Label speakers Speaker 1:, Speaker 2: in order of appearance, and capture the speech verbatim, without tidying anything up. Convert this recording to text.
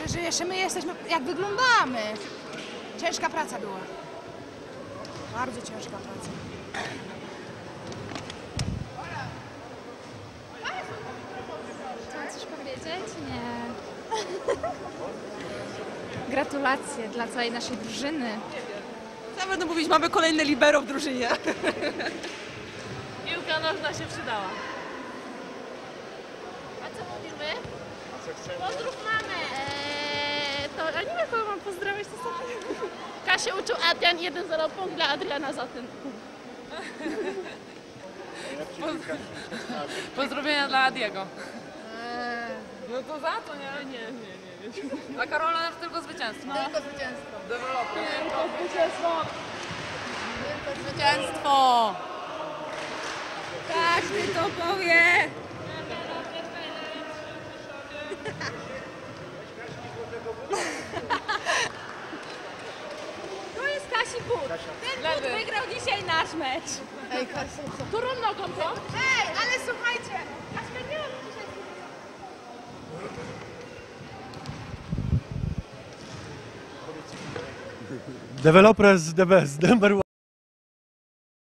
Speaker 1: że, że jeszcze my jesteśmy, jak wyglądamy. Ciężka praca była. Bardzo ciężka praca.
Speaker 2: Chciałam coś powiedzieć? Nie. Gratulacje dla całej naszej drużyny.
Speaker 3: Co będę mówić, mamy kolejne libero w drużynie.
Speaker 4: Piłka nożna się przydała.
Speaker 2: A co mówimy? Pozdrów mamę! Eee, to, a nie wiem, kogo mam pozdrawiać, to sobie. Kasię uczył Adrian, jeden zero punkt dla Adriana za ten.
Speaker 4: Pozdrowienia dla Adiego. No to za to, nie? Nie, nie, nie. Dla Karola też tylko zwycięstwo.
Speaker 5: Tylko zwycięstwo.
Speaker 4: Deweloper.
Speaker 5: Tylko zwycięstwo. Tylko zwycięstwo.
Speaker 1: Każdy to powie! To jest Kasi but. Ten but wygrał dzisiaj nasz mecz.
Speaker 5: Ej, Kasia, co?
Speaker 1: Którą nogą to? Ej, ale słuchajcie! Kaśka nie ma dzisiaj...
Speaker 6: Developers the best, number one.